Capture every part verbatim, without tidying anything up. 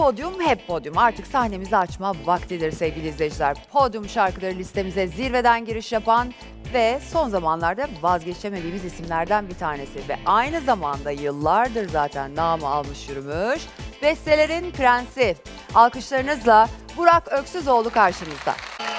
podyum hep podyum. Artık sahnemizi açma vaktidir sevgili izleyiciler. Podyum şarkıları listemize zirveden giriş yapan ve son zamanlarda vazgeçemediğimiz isimlerden bir tanesi. Ve aynı zamanda yıllardır zaten namı almış yürümüş. Bestelerin prensi. Alkışlarınızla Burak Öksüzoğlu karşınızda.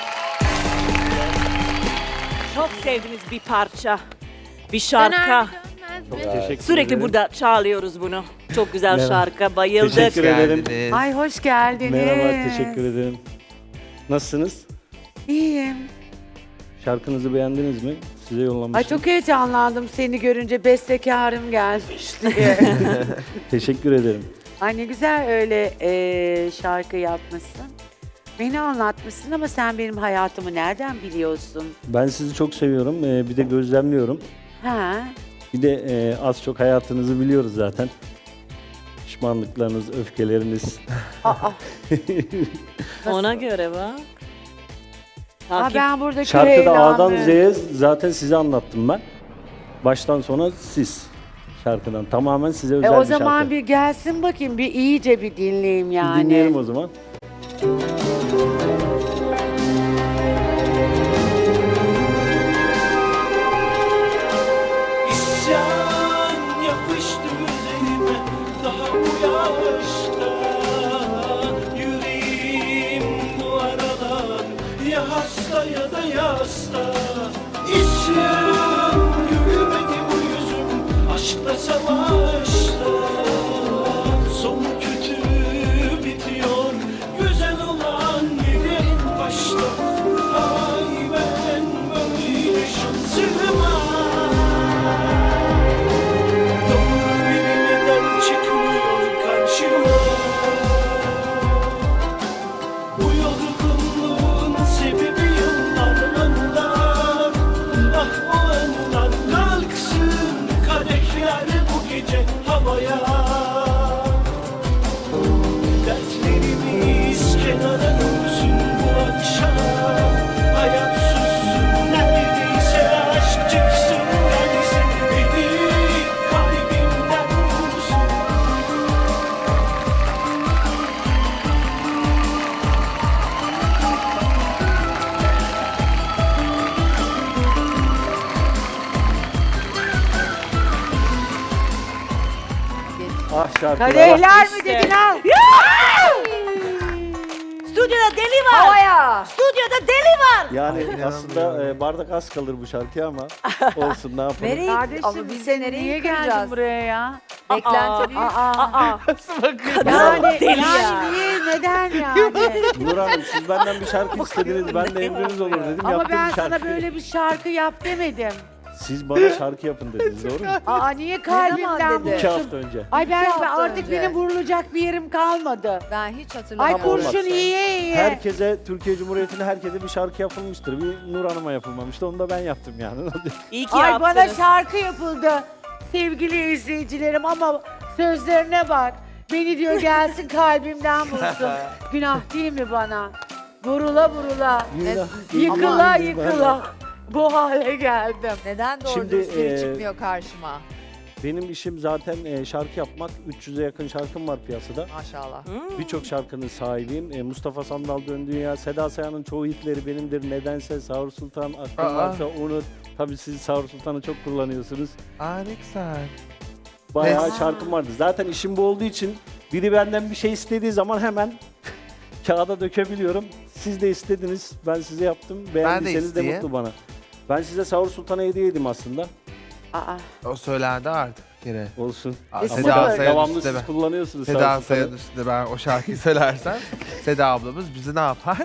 Çok sevdiğimiz bir parça, bir şarkı. Teşekkür Sürekli ederim. burada çalıyoruz bunu. Çok güzel Merhaba. şarkı, bayıldık. Teşekkür ederim. Geldiniz. Ay hoş geldiniz. Merhaba, teşekkür ederim. Nasılsınız? İyiyim. Şarkınızı beğendiniz mi? Size yollamıştım. Ay çok heyecanlandım seni görünce, bestekarım gelmiş diye. Teşekkür ederim. Ay ne güzel öyle e, şarkı yapmışsın. Beni anlatmışsın ama sen benim hayatımı nereden biliyorsun? Ben sizi çok seviyorum. Ee, bir de gözlemliyorum. Ha? Bir de e, az çok hayatınızı biliyoruz zaten. Pişmanlıklarınız, öfkeleriniz. Aa, Ona göre bak. aa, Takip. ben burada köy Şarkıda A'dan evlamı- Z'ye zaten size anlattım ben. Baştan sona siz. Şarkıdan. Tamamen size özel E, bir o şarkı. zaman bir gelsin bakayım, bir iyice bir dinleyeyim Bir yani. dinleyelim o zaman. İsyan yapıştı üzerime daha bu yaşta. Yüreğim bu aralar ya hasta ya da yasta. İsyan gülmedi bu yüzüm aşkla savaşta. Sonu kötü bitiyor güzel olan yedi başta. Ay ben böyle şansıma. Doğru biri neden çıkmıyor karşıma? Bu yorgunluğun sebebi yıllarından. Ah o anılar kalksın kadehler bu gece havaya. Dertlerimiz kenara dursun bu akşam. Hayat sussun neredeyse aşk çıksın gelsin. Beni kalbimden vursun. Ah şarkı. Kadehler mi İşte. dedin al? Stüdyoda deli var. Havaya! Stüdyoda deli var. Yani aslında e, bardak az kalır bu şarkıya ama olsun ne yapalım. Nereye? Kardeşim Ama biz de sen nereye niye yıkayacağız? geldin buraya ya? Beklenti büyük. Aa, Aa, yani, deli yani ya. niye, neden yani? Nur Hanım siz benden bir şarkı istediniz. Ben de emriniz olur dedim. Ama Yaptım ben bir sana şarkı. böyle bir şarkı yap demedim. Siz bana şarkı yapın dediniz doğru mu? Aa niye zaman kalbimden dedi? İki vursun? hafta önce. Ay ben İki hafta artık önce. benim vurulacak bir yerim kalmadı. Ben hiç Ay hatırlamıyorum. kurşun olmaz. iyiye iyiye. Herkese, Türkiye Cumhuriyeti'ne herkese bir şarkı yapılmıştır. Bir Nur Hanım'a yapılmamıştı. Onu da ben yaptım yani. İyi ki Ay yaptınız. bana şarkı yapıldı sevgili izleyicilerim ama sözlerine bak. Beni diyor gelsin kalbimden vursun. Günah değil mi bana? Vurula vurula, yıkıla yıkıla bu hale geldim. Neden doğru Şimdi, dürüst biri e, çıkmıyor karşıma? Benim işim zaten e, şarkı yapmak. üç yüze yakın şarkım var piyasada. Maşallah. Birçok şarkının sahibiyim. E, Mustafa Sandal Dön Dünya, Seda Sayan'ın çoğu hitleri benimdir. Nedense Sahur Sultan, Aklın Aa. Varsa Unut. Tabii siz Sahur Sultan'ı çok kullanıyorsunuz. Aa ne güzel. Bayağı Aa. şarkım vardı. Zaten işim bu olduğu için biri benden bir şey istediği zaman hemen kağıda dökebiliyorum. Siz de istediniz, ben size yaptım. Beğendiyseniz de isteyeyim. mutlu bana. Ben size Sahur Sultan'a hediye edeyim aslında. Aa, O söylendi artık bir kere. Olsun. Aa, E, Seda sıfır. Sayan Devamlı üstüne siz ben. kullanıyorsunuz Seda Sahur Sultan'ı. Sayan üstüne ben o şarkıyı söylersem Seda ablamız bizi ne yapar?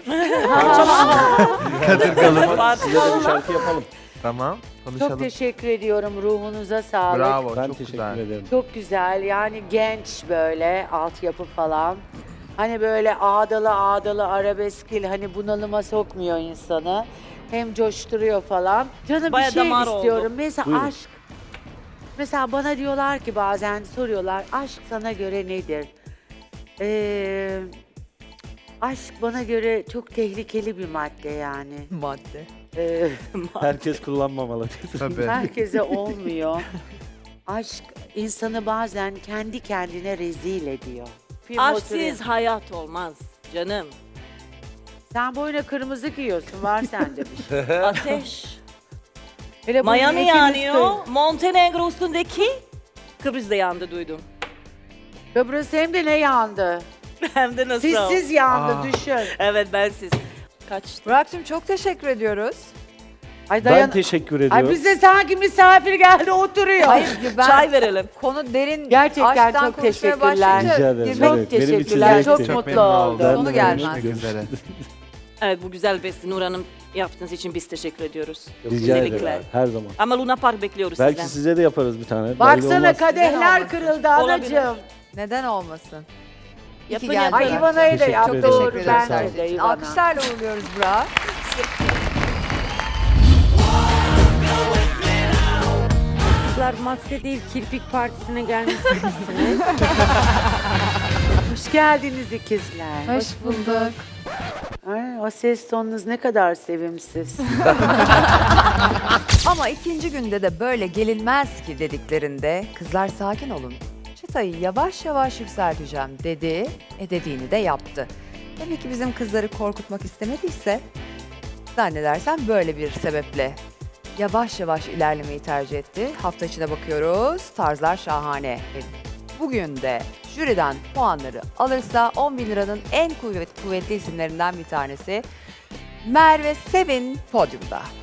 Kadırgalımız. Size de bir şarkı yapalım. Tamam çok konuşalım. teşekkür ediyorum, ruhunuza sağlık. Bravo Ben çok teşekkür güzel. ederim. Çok güzel yani genç böyle altyapı falan. Hani böyle ağdalı ağdalı arabeskil hani bunalıma sokmuyor insanı. Hem coşturuyor falan. Canım Baya bir şey damar oldu. istiyorum. Mesela Buyurun. aşk. Mesela bana diyorlar ki bazen soruyorlar aşk sana göre nedir? Ee, aşk bana göre çok tehlikeli bir madde yani. Madde. Ee, Herkes kullanmamalı. Tabii. herkese olmuyor. Aşk insanı bazen kendi kendine rezil ediyor. yapayım oturayım. Aşksız hayat olmaz canım. Sen boyuna kırmızı giyiyorsun. Var sende bir şey. Ateş. Hele bu Miami ikiniz yanıyor. koyun. Montenegro üstündeki Kıbrıs'da yandı duydum. Kıbrıs hem de ne yandı? Hem de nasıl? Sizsiz yandı Aa. düşün. Evet ben siz. Kaçtı. Burak'cığım çok teşekkür ediyoruz. Ay Ben dayan. teşekkür Ay ediyorum. bize sanki misafir geldi oturuyor. Hayır ben Çay verelim. konu derin Gerçekten aşktan çok konuşmaya teşekkürler. başlayınca Rica ederim. girmek- Çok Evet, benim için teşekkürler. Çok zevkti. mutlu memnun oldum. Ben de Sonu öyle. gelmez. Görüşmek üzere. Evet bu güzel besti Nur Hanım yaptığınız için biz teşekkür ediyoruz. Rica Özellikle. ederim. Her zaman. Ama Luna Park bekliyoruz Belki sizden. size de yaparız bir tane. Belli Baksana olmaz. kadehler olmasın? kırıldı Olabilir. anacığım. Neden olmasın? İyi ki Yapın, geldin. yapın. Ay İvana'yı da Teşekkür yaptı. ederim. Doğru Teşekkür ederim. bence Sağ de olun. İvana. Alkışlarla uğurluyoruz Burak. Kızlar maske değil kirpik partisine gelmişsiniz. Hoş geldiniz ikizler. Hoş bulduk. Ay, o ses tonunuz ne kadar sevimsiz. Ama ikinci günde de böyle gelinmez ki dediklerinde kızlar sakin olun. Çıtayı yavaş yavaş yükselteceğim dedi. E dediğini de yaptı. Demek ki bizim kızları korkutmak istemediyse zannedersem böyle bir sebeple yavaş yavaş ilerlemeyi tercih etti. Hafta içine bakıyoruz. Tarzlar şahane. E, Bugün de jüriden puanları alırsa on bin liranın en kuvvet, kuvvetli isimlerinden bir tanesi Merve Sevin podyumda.